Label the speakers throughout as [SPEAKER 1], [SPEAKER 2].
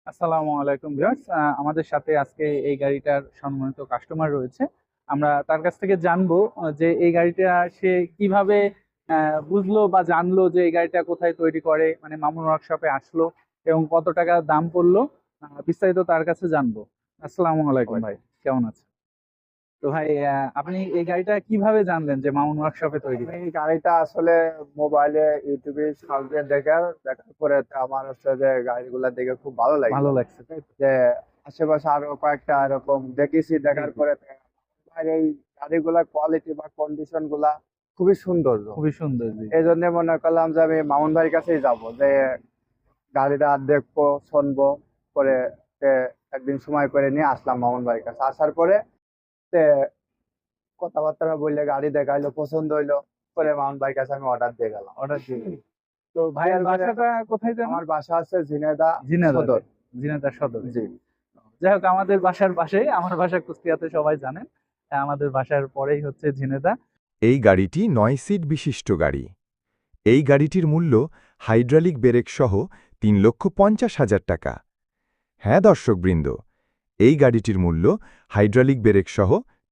[SPEAKER 1] আসসালামু আলাইকুম ভিউয়ার্স, আমাদের সাথে আজকে এই গাড়িটার সম্মানিত কাস্টমার রয়েছে। আমরা তার কাছ থেকে জানবো যে এই গাড়িটা সে কিভাবে বুঝলো বা জানলো যে এই গাড়িটা কোথায় তৈরি করে, মানে মামুন ওয়ার্কশপে আসলো এবং কত টাকা দাম পড়লো। বিস্তারিত তার কাছে জানবো। আসসালামু আলাইকুম ভাই, কেমন আছেন? তো ভাই, আপনি এই গাড়িটা কিভাবে জানলেন যে মামুন ওয়ার্কশপে তৈরি
[SPEAKER 2] আমি
[SPEAKER 1] হয়?
[SPEAKER 2] এই গাড়িটা আসলে মোবাইলে ইউটিউবে সার্চে দেখার পরে তো আমার হচ্ছে যে গাড়িগুলা দেখে খুব ভালো
[SPEAKER 1] ভালো
[SPEAKER 2] লাগলো।
[SPEAKER 1] লাগছে, তাই তো?
[SPEAKER 2] যে আশেপাশে আরো কয়েকটা এরকম দেখেছি,
[SPEAKER 1] জি
[SPEAKER 2] দেখার
[SPEAKER 1] জি,
[SPEAKER 2] পরে তো আমার এই গাড়িগুলার কোয়ালিটি বা কন্ডিশন গুলা খুবই সুন্দর।
[SPEAKER 1] খুবই সুন্দর, জি।
[SPEAKER 2] এই জন্য মনে করলাম যে আমি মামুন ভাইয়ের কাছেই যাব, যে গাড়িটা দেখবো শুনবো, পরে তে একদিন সময় করে নিয়ে আসলাম মামুন ভাইয়ের কাছে। আসার পরে তে কথাবার্তা বললে গাড়ি দেখাইলো, পছন্দ হইলো, পরে মামুন ভাইয়ের কাছে আমি অর্ডার দিয়ে গেলাম।
[SPEAKER 1] অর্ডার দিয়ে দিন। তো ভাইয়ের
[SPEAKER 2] দেওয়ার পরে
[SPEAKER 1] বাসাটা কোথায় যেন?
[SPEAKER 2] আমার বাসা আছে ঝিনাইদহ
[SPEAKER 1] ঝিনাইদহ,
[SPEAKER 2] সদর।
[SPEAKER 1] ঝিনাইদহ সদরে।
[SPEAKER 2] জি।
[SPEAKER 1] যাই হোক, আমাদের বাসার পাশেই, আমার বাসা কুষ্টিয়াতে, সবাই জানেন। আমাদের বাসার পরেই হচ্ছে ঝিনেদা।
[SPEAKER 3] এই গাড়িটি ৯ সিট বিশিষ্ট গাড়ি। এই গাড়িটির মূল্য হাইড্রোলিক ব্রেক সহ ৩,৫০,০০০ টাকা। হ্যাঁ দর্শকবৃন্দ, এই গাড়িটির মূল্য হাইড্রোলিক ব্রেক সহ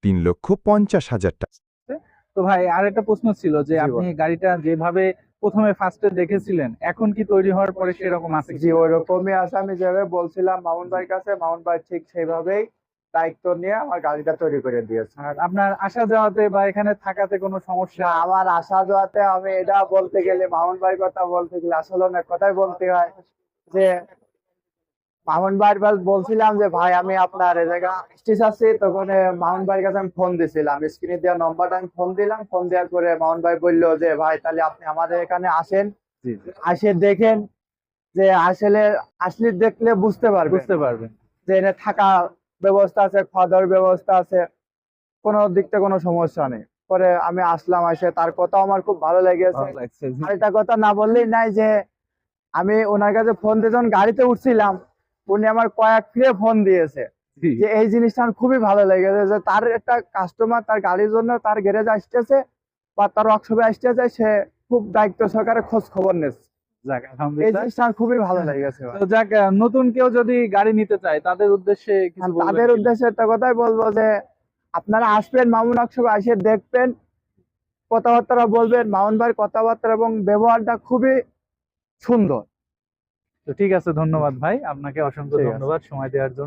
[SPEAKER 3] ৩,৫০,০০০ টাকা।
[SPEAKER 1] তো ভাই, আর একটা প্রশ্ন ছিল যে
[SPEAKER 2] জি
[SPEAKER 1] আপনি গাড়িটা যেভাবে প্রথমে ফার্স্টে দেখেছিলেন, এখন কি তৈরি হওয়ার পরে সেরকম আছে
[SPEAKER 2] জি,
[SPEAKER 1] কিনা?
[SPEAKER 2] ওই রকমই আছে। আমি যেভাবে বলছিলাম মামুন ভাইয়ের কাছে, মামুন ভাই ঠিক সেইভাবেই দায়িত্ব নিয়ে আমার গাড়িটা তৈরি করে দিয়েছে।
[SPEAKER 1] আর আপনার আসা যাওয়াতে বা এখানে থাকাতে কোনো সমস্যা?
[SPEAKER 2] না, আমার আসা যাওয়াতে আমি এটা বলতে গেলে, মামুন ভাইয়ের কথা বলতে গেলে আসলে অনেক কথাই বলতে হয়। যে মামুন ভাই বলছিলাম যে ভাই আমি আপনার এই জায়গা স্টেজ আছি, তখন মামুন ভাইয়ের কাছে আমি ফোন দিছিলাম, স্ক্রিনে দেওয়া নম্বরটা আমি ফোন দিলাম। ফোন দেওয়ার পরে মামুন ভাই বললো যে ভাই তাহলে আপনি আমাদের এখানে আসেন,
[SPEAKER 1] জি জি,
[SPEAKER 2] আসে দেখেন, যে আসলে আসলে দেখলে বুঝতে পারবেন
[SPEAKER 1] বুঝতে পারবেন।
[SPEAKER 2] যে এখানে থাকা ব্যবস্থা আছে, খাওয়া দাওয়ার ব্যবস্থা আছে, কোনো দিক থেকে কোনো সমস্যা নেই। পরে আমি আসলাম, এসে তার কথা আমার খুব ভালো লেগেছে।
[SPEAKER 1] ভালো লাগছে, জি।
[SPEAKER 2] আরেকটা কথা না বললেই নাই, যে আমি ওনার কাছে ফোন দিয়ে যখন গাড়িতে উঠছিলাম, উনি আমার কয়েক ফিরে ফোন দিয়েছে।
[SPEAKER 1] জি,
[SPEAKER 2] যে এই জিনিসটা আমার খুবই ভালো লেগেছে, যে তার একটা কাস্টমার তার গাড়ির জন্য তার গ্যারেজ আসতেছে বা তার ওয়ার্কশপে আসতেছে, সে খুব দায়িত্ব সহকারে খোঁজ খবর নিচ্ছে।
[SPEAKER 1] যাক,
[SPEAKER 2] এই
[SPEAKER 1] আলহামদুলিল্লাহ।
[SPEAKER 2] জিনিসটা আমার খুবই ভালো লেগেছে ভাই।
[SPEAKER 1] তো যাক, নতুন কেউ যদি গাড়ি নিতে চায় তাদের উদ্দেশ্যে কিছু বলবেন
[SPEAKER 2] তাদের
[SPEAKER 1] কিনা?
[SPEAKER 2] উদ্দেশ্যে একটা কথাই বলবো, যে আপনারা আসবেন মামুন ওয়ার্কশপে, এসে দেখবেন, কথাবার্তা বলবেন। মামুন ভাইয়ের কথাবার্তা এবং ব্যবহারটা খুবই সুন্দর।
[SPEAKER 1] তো ঠিক আছে, ধন্যবাদ ভাই, আপনাকে অসংখ্য
[SPEAKER 2] ঠিক আছে।
[SPEAKER 1] ধন্যবাদ সময় দেওয়ার জন্য।